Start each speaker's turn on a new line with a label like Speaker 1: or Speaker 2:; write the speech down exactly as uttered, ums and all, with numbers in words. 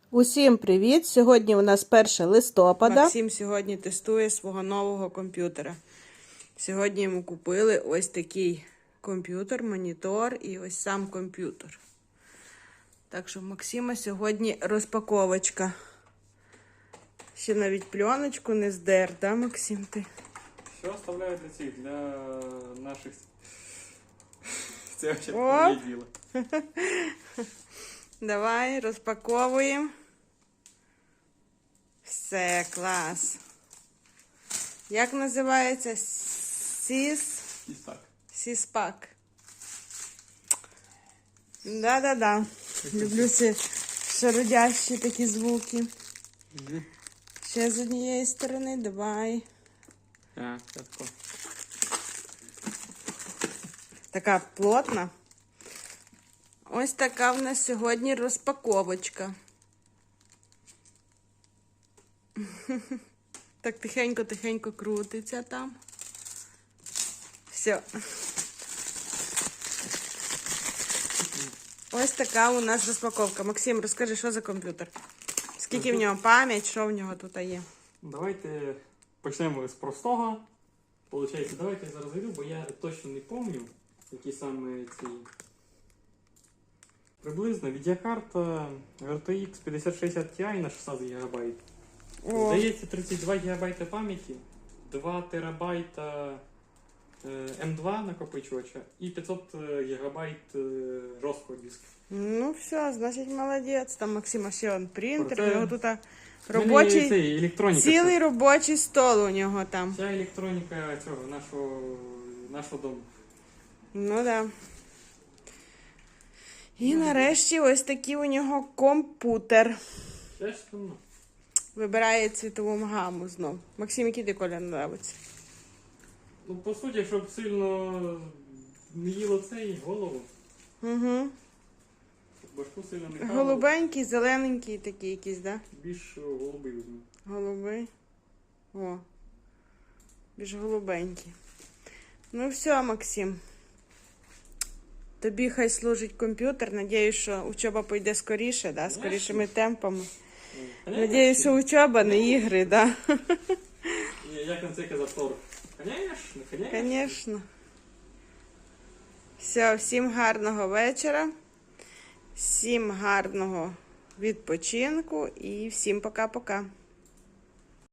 Speaker 1: Усім привіт! Сьогодні у нас перше листопада.
Speaker 2: Максим сьогодні тестує свого нового комп'ютера. Сьогодні йому купили ось такий комп'ютер, монітор і ось сам комп'ютер. Так що в Максима сьогодні розпаковочка. Ще навіть пленочку не здер, да, Максим, ти?
Speaker 3: Що оставляю для цих, для наших... Це взагалі не діло.
Speaker 2: Давай, розпаковуємо. Все, клас. Як називається? Сіс...
Speaker 3: Сісак.
Speaker 2: Сіспак. Да-да-да. Люблю ці шародящі такі звуки.
Speaker 3: Угу.
Speaker 2: Ще з однієї сторони, давай.
Speaker 3: А, це тако.
Speaker 2: Така плотна. Ось така в нас сьогодні розпаковочка. Так тихенько-тихенько крутиться там. Все. Ось така у нас розпаковка. Максим, розкажи, що за комп'ютер? Скільки в нього пам'ять, що в нього тут є?
Speaker 3: Давайте почнемо з простого. Получається, давайте я зараз зайду, бо я точно не пам'ятаю, які саме ці... Приблизно відеокарта ар те ікс п'ятдесят шістдесят Ti на шістнадцять гігабайт.
Speaker 2: О.
Speaker 3: Здається, тридцять два гігабайта пам'яті, два терабайта ем два накопичувача і п'ятсот гігабайт жорсткого диску.
Speaker 2: Ну все, значить молодець. Там Максима ще он принтер,
Speaker 3: Проте...
Speaker 2: у нього тут
Speaker 3: У мене
Speaker 2: робочий,
Speaker 3: цей, електроніка,
Speaker 2: цілий
Speaker 3: це...
Speaker 2: робочий стол у нього там.
Speaker 3: Вся електроніка цього, нашого, нашого дому.
Speaker 2: Ну да. І нарешті ось такий у нього комп'ютер.
Speaker 3: Чесно.
Speaker 2: Вибирає цвітову гаму знов. Максим, який ти колір подобається?
Speaker 3: Ну, по суті, щоб сильно не їло цей голову,
Speaker 2: Угу.
Speaker 3: щоб башку сильно не хавало,
Speaker 2: Голубенький, зелененький такий якийсь, да?
Speaker 3: більш голубий візьму.
Speaker 2: Голубий. О. Більш голубенький. Ну все, Максим. Тобі хай служить комп'ютер. Надіюсь, що учоба пойде скоріше, да? Скорішими темпами. Надіюсь, що учоба, не ігри, да?
Speaker 3: Як на це казав Тор? Конечно, конечно.
Speaker 2: Конечно. Все, всім гарного вечора. Всім гарного відпочинку і всім пока-пока.